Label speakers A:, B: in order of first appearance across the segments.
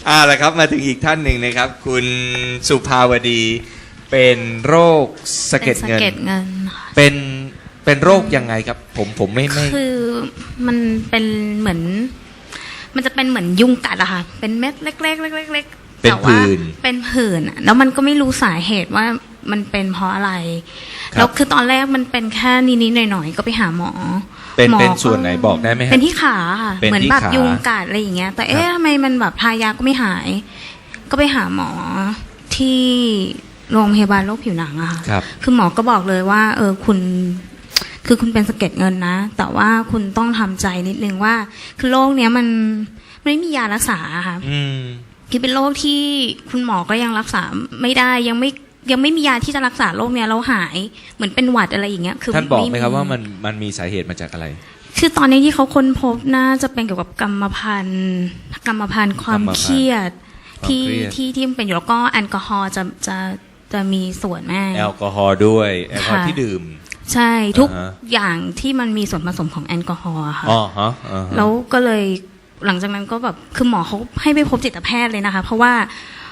A: ละครับมาถึงอีกท่านหนึ่งนะครับคุณสุภาวดีเป็นโรคสะเก็ดเงิน
B: เป็นสะเก็ดเงินค่ะ
A: เป็นโรคยังไงครับผมไม่
B: คือมันเป็นเหมือนมันจะเป็นเหมือนยุงกัดอะค่ะเป็นเม็ดเล็กๆเล็กๆ
A: เป็นผื่น
B: เป็นผื่นแล้วมันก็ไม่รู้สาเหตุว่ามันเป็นเพราะอะไรแล้วคือตอนแรกมันเป็นแค่นิดๆหน่อยๆก็ไปหาหมอ
A: เป็นส่วนไหนบอกได้ไหมครับ
B: เป็นที่ขาค่ะเหมือนแบบยุงกัดอะไรอย่างเงี้ยแต่ทำไมมันแบบทายาก็ไม่หายก็ไปหาหมอที่โรงพยาบาลโรคผิวหนังอะค่ะคือหมอก็บอกเลยว่าคุณเป็นสะเก็ดเงินนะแต่ว่าคุณต้องทำใจนิดนึงว่าคือโรคเนี้ยมันไม่มียารักษาค่ะคือเป็นโรคที่คุณหมอก็ยังรักษาไม่ได้ยังไม่มียาที่จะรักษาโรคเนี้ยแล้วหายเหมือนเป็นหวัดอะไรอย่างเงี้ยคือ
A: ท่านบอกไหมครับว่ามันมีสาเหตุมาจากอะไร
B: คือตอนนี้ที่เขาค้นพบน่าจะเป็นเกี่ยวกับกรรมพันธุ์ความเครียดที่มันเป็นอยู่แล้วก็แอลกอฮอล์จะมีส่วนแม่
A: แอลกอฮอล์ด้วยแอลกอฮอล์ที่ดื่ม
B: ใช่ทุกอย่างที่มันมีส่วนผสมของแอลกอฮอล์ค่ะแล้วก็เลยหลังจากนั้นก็แบบคือหมอเขาให้ไปพบจิตแพทย์เลยนะคะเพราะว่า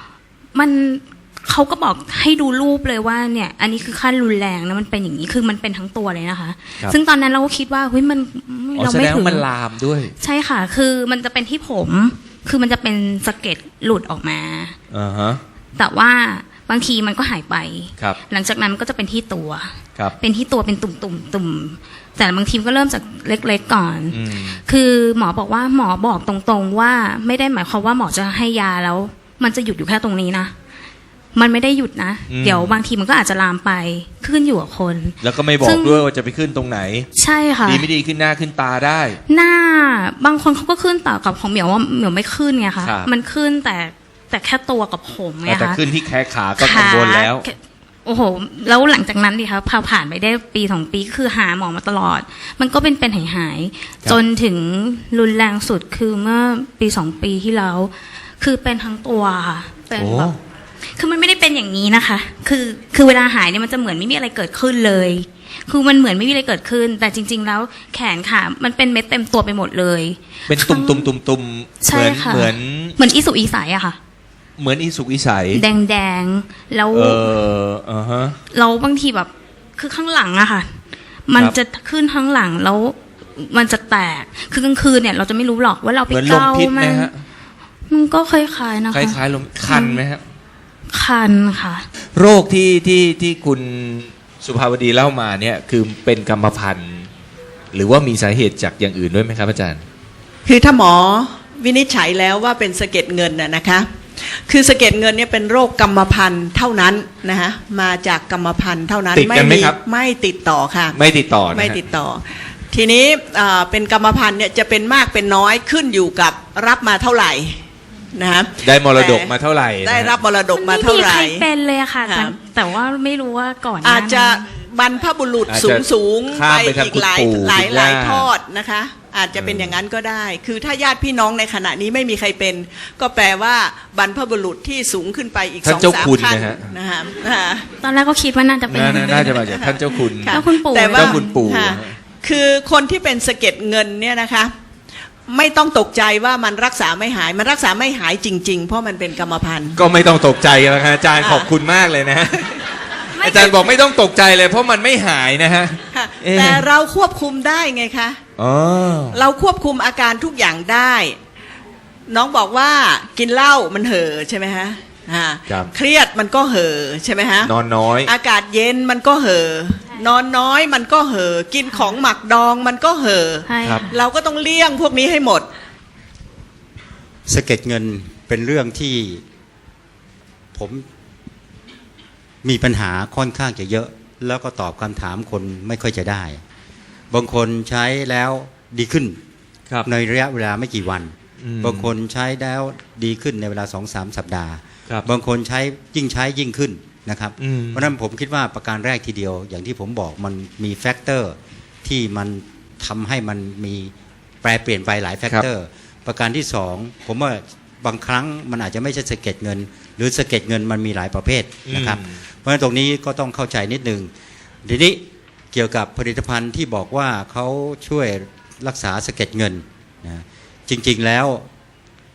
B: เขาก็บอกให้ดูรูปเลยว่าเนี่ยอันนี้คือขั้นรุนแรงนะมันเป็นอย่างนี้คือมันเป็นทั้งตัวเลยนะคะซึ่งตอนนั้นเราก็คิดว่าเฮ้ยมันเราไม่ถึง
A: มันลามด้วย
B: ใช่ค่ะคือมันจะเป็นที่ผมคือมันจะเป็นสะเก็ดหลุดออกมาแต่ว่าบางทีมันก็หายไปหลังจากนั้นมันก็จะเป็นที่ตัวเป็นที่ตัวเป็นตุ่มแต่บางทีก็เริ่มจากเล็กๆก่อนคือหมอบอกว่าหมอบอกตรงๆว่าไม่ได้หมายความว่าหมอจะให้ยาแล้วมันจะหยุดอยู่แค่ตรงนี้นะมันไม่ได้หยุดนะเดี๋ยวบางทีมันก็อาจจะลามไปขึ้นอยู่กับคน
A: แล้วก็ไม่บอกด้วยว่าจะไปขึ้นตรงไหน
B: ใช่ค่ะ
A: ดีไม่ดีขึ้นหน้าขึ้นตาได้
B: หน้าบางคนเขาก็ขึ้นแต่กับของเหมียวว่าเหมียวไม่ขึ้นไงคะมันขึ้นแต่แค่ตัวกับผมไงคะ
A: แต่ขึ้นที่แขนขาก็กังวลแล้ว
B: โอ้โหแล้วหลังจากนั้นดิคะพอผ่านไปได้ปี2 ปีคือหาหมอมาตลอดมันก็เป็นหายจนถึงรุนแรงสุดคือเมื่อปี2 ปีที่แล้วคือเป็นทั้งตัวค่ะเป็นแบบคือมันไม่ได้เป็นอย่างนี้นะคะคือเวลาหายเนี่ยมันจะเหมือนไม่มีอะไรเกิดขึ้นเลยคือมันเหมือนไม่มีอะไรเกิดขึ้นแต่จริงๆแล้วแขนขามันเป็นเม็ดเต็มตัวไปหมดเลย
A: เป็นตุ่มเหมือน
B: อีสุกอีใสอะค่ะ
A: เหมือนอีสุกอีใส
B: แดงแล้วเราบางทีแบบคือข้างหลังอะค่ะมันจะขึ้นข้างหลังแล้วมันจะแตกคือกลางคืนเนี่ยเราจะไม่รู้หรอกว่าเราไปเกามันก็คล้ายๆนะคะ
A: คล้ายๆลมคันไหมครับ
B: คันค่ะ
A: โรคที่คุณสุภาวดีเล่ามาเนี่ยคือเป็นกรรมพันธุ์หรือว่ามีสาเหตุจากอย่างอื่นด้วยไหมครับอาจารย์
C: คือถ้าหมอวินิจฉัยแล้วว่าเป็นสะเก็ดเงินนะคะคือสะเก็ดเงินเนี่ยเป็นโรคกรรมพันธุ์เท่านั้นนะคะมาจากกรรมพันธุ์เท่านั้น
A: ติดกันไหมครับ
C: ไม่ติดต่อค่ะ
A: ไม่ติดต่อ
C: ไม่ติดต่อทีนี้เป็นกรรมพันธุ์เนี่ยจะเป็นมากเป็นน้อยขึ้นอยู่กับรับมาเท่าไหร่นะ
A: ได้มรดกมาเท่าไหร่
C: ได้รับมรดกมาเท่าไหร่
B: ไม่มีใครเป็นเลยค่ะแต่ว่าไม่รู้ว่าก่อน
C: อาจจะบรรพบุรุษสูงไปอีกหลายทอดนะคะอาจจะเป็นอย่างนั้นก็ได้คือถ้าญาติพี่น้องในขณะนี้ไม่มีใครเป็นก็แปลว่าบรรพบุรุษที่สูงขึ้นไปอีก 2-3 ขั้นนะคะ
B: ตอนแรกก็คิดว่าน่าจะเป็น
A: น่าจะมาจากท่านเจ้าคุณ
B: เจ้าคุณปู่
C: แต่ว่าคือคนที่เป็นสะเก็ดเงินเนี่ยนะคะไม่ต้องตกใจว่ามันรักษาไม่หายมันรักษาไม่หายจริงๆเพราะมันเป็นกรรมพันธุ์
A: ก็ไม่ต้องตกใจแล้วครับอาจารย์ขอบคุณมากเลยนะอาจารย์บอกไม่ต้องตกใจเลยเพราะมันไม่หายนะฮะ
C: แต่เราควบคุมได้ไงคะเราควบคุมอาการทุกอย่างได้น้องบอกว่ากินเหล้ามันเห่อใช่ไหมฮะเครียดมันก็เห่อใช่ไหมฮะ
A: นอนน้อย
C: อากาศเย็นมันก็เห่อนอนน้อยมันก็เห่อกินของหมักดองมันก็เห่อเราก็ต้องเลี่ยงพวกนี้ให้หมด
D: สะเก็ดเงินเป็นเรื่องที่ผมมีปัญหาค่อนข้างจะเยอะแล้วก็ตอบคำถามคนไม่ค่อยจะได้บางคนใช้แล้วดีขึ้นในระยะเวลาไม่กี่วันบางคนใช้แล้วดีขึ้นในเวลา 2-3 สัปดาห์บางคนใช้ยิ่งขึ้นนะครับเพราะนั้นผมคิดว่าประการแรกทีเดียวอย่างที่ผมบอกมันมีแฟกเตอร์ที่มันทำให้มันมีแปรเปลี่ยนไปหลายแฟกเตอร์ประการที่2ผมว่าบางครั้งมันอาจจะไม่ใช่สะเก็ดเงินหรือสะเก็ดเงินมันมีหลายประเภทนะครับเพราะฉะนั้นตรงนี้ก็ต้องเข้าใจนิดนึงทีนี้เกี่ยวกับผลิตภัณฑ์ที่บอกว่าเขาช่วยรักษาสะเก็ดเงินนะจริงๆแล้ว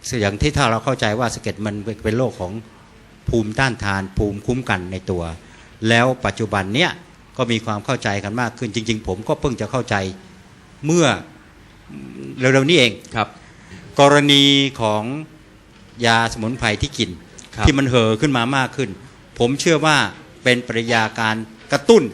D: อย่างที่ถ้าเราเข้าใจว่าสะเก็ดมันเป็นโรคของภูมิต้านทานภูมิคุ้มกันในตัว แล้วปัจจุบันเนี้ยก็มีความเข้าใจกันมากขึ้นจริงๆผมก็เพิ่งจะเข้าใจเมื่อเร็วๆนี้เอง
A: ครับ
D: กรณีของยาสมุนไพรที่กิน
A: ครับ
D: ที่มันเห่อขึ้นมามากขึ้น ผมเชื่อว่าเป็นปริยาการกระตุ้น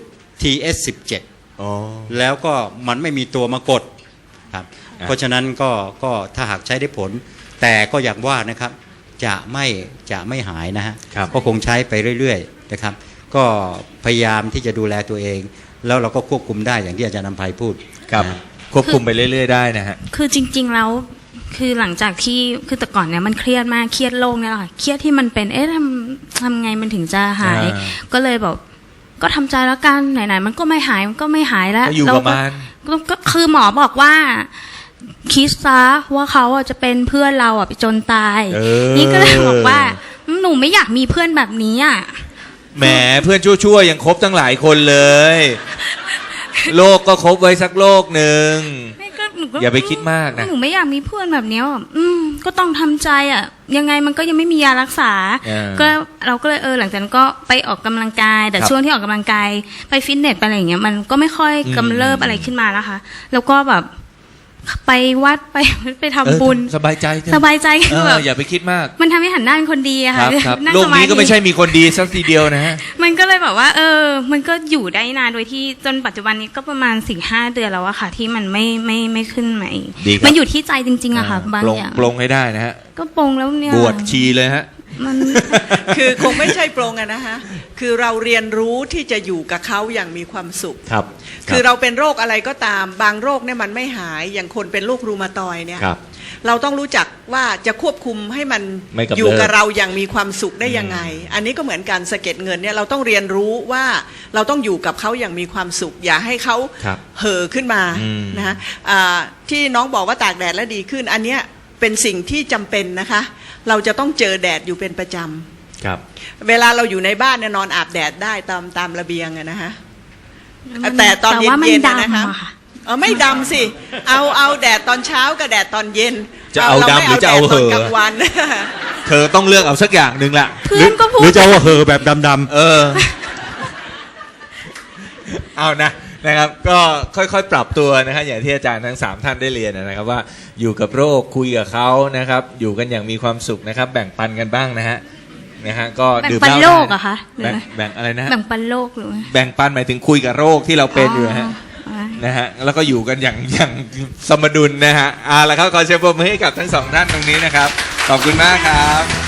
D: TS17
A: อ๋อ
D: แล้วก็มันไม่มีตัวมากดครับเพราะฉะนั้นก็ถ้าหากใช้ได้ผล แต่ก็อย่างว่านะครับจะไม่หายนะฮะ
A: ครับ
D: ก็คงใช้ไปเรื่อยๆนะครับก็พยายามที่จะดูแลตัวเอง แล้วเราก็ควบคุมได้อย่างที่อาจารย์นำไพพูด
A: ครับ
D: นะฮะ
A: ควบคุมไปเรื่อยๆได้นะฮะ
B: คือจริง ๆแล้วคือหลังจากที่คือแต่ก่อนเนี่ยมันเครียดมากเครียดโรคเนี่ยแหละค่ะเครียดที่มันเป็นทำไงมันถึงจะหาย ก็เลยแบบก็ทำใจแล้วกันไหนๆมันก็ไม่หายมันก็ไม่หายแล้ว
A: ก็อยู่กับมัน
B: ก็คือหมอบอกว่าคิดซะว่าเขาอ่ะจะเป็นเพื่อนเราอ่ะไปจนตาย นี่ก็เลยบอกว่าหนูไม่อยากมีเพื่อนแบบนี้อ่ะ
A: แหมเพื่อนชั่วๆยังครบตั้งหลายคนเลย โลกก็ครบไว้สักโลกหนึ่ง อย่าไปคิดมากนะ
B: หนูไม่อยากมีเพื่อนแบบเนี้ยอ่ะก็ต้องทำใจอ่ะยังไงมันก็ยังไม่มียารักษา ก็เราก็เลยหลังจากนั้นก็ไปออกกำลังกาย แต่ช่วงที่ออกกำลังกายไปฟิตเนสไปอะไรอย่างเงี้ยมันก็ไม่ค่อยกำเริบอะไรขึ้นมานะคะ แล้วก็แบบไปวัดไปทำบุญ
A: สบายใจเถอะ
B: สบายใจคือแบบ
A: อย่าไปคิดมาก
B: มันทำให้หันหน้าเป็นคนดีอะ
A: ค
B: ค่ะ
A: รับครับ
B: นั่ง
A: โลกนี้ก็ไม่ใช่
B: สาธิ
A: มีคนดีสักทีเดียวนะฮะ
B: มันก็เลยแบบว่ามันก็อยู่ได้นานโดยที่จนปัจจุบันนี้ก็ประมาณ 4-5 เดือนแล้วอะค่ะ ที่มันไม่ขึ้นมาอีก
A: ดีครับ
B: มันอยู่ที่ใจจริงๆอะค่ะบาง
A: ปลง
B: อย่าง
A: ปลงให้ได้นะฮะ
B: ก็ปลงแล้วเนี่ย
A: บวชชีเลยฮะ
B: มัน
C: คือคงไม่ใช่ปรงอะนะคะคือเราเรียนรู้ที่จะอยู่กับเขาอย่างมีความสุข
A: ครับ
C: คือเราเป็นโรคอะไรก็ตามบางโรคเนี่ยมันไม่หายอย่างคนเป็นโรครูมาตอยด์เนี่ย
A: ครับ
C: เราต้องรู้จักว่าจะควบคุมให้มัน
A: ไม่กำเริบ
C: อยู่กับเราอย่างมีความสุขได้ยังไง อันนี้ก็เหมือนกันสะเก็ดเงินเนี่ยเราต้องเรียนรู้ว่าเราต้องอยู่กับเขาอย่างมีความสุข อย่าให้เขา
A: ครับ
C: เห่อขึ้นมา
A: อืม
C: นะฮะที่น้องบอกว่าตากแดดแล้วดีขึ้น อันเนี้ยเป็นสิ่งที่จำเป็นนะคะ เราจะต้องเจอแดดอยู่เป็นประจำ
A: ครับ
C: เวลาเราอยู่ในบ้านเนี่ยนอนอาบแดดได้ตามระเบียงอะนะคะแต่ตอนเย็นๆนะคะ ไม่ดำสิเอาแดดตอนเช้ากับแดดตอนเย็น
A: จะเอาดำหรือจะเอาเห
C: ตอน
A: อะ
C: กลางวัน
A: เธอต้องเลือกเอาสักอย่างหนึ่งละ
B: เพื่อนก็พู
D: หรื
B: ด
D: อจะว่าเห่อแบบดำ
A: เอานะครับก็ค่อยๆปรับตัวนะฮะอย่างที่อาจารย์ทั้ง3ท่านได้เรียนนะครับว่าอยู่กับโรคคุยกับเขานะครับอยู่กันอย่างมีความสุขนะครับแบ่งปันกันบ้างนะฮะก็
B: แบ่ง
A: ดื่ม
B: ปัน
A: เหล้า
B: โลก
A: ได้
B: อะคะหรือ
A: แบ่งอะไรนะฮะ
B: แบ่งปันโลกหรือ
A: แบ่งปันหมายถึงคุยกับโรคที่เราเป็นอยู่นะฮะ
B: อ๋อ
A: นะฮะแล้วก็อยู่กันอย่างสมดุลนะฮะเอาละครับขอเชิญปรบมือให้กับทั้งสองท่านตรงนี้นะครับขอบคุณมากครับ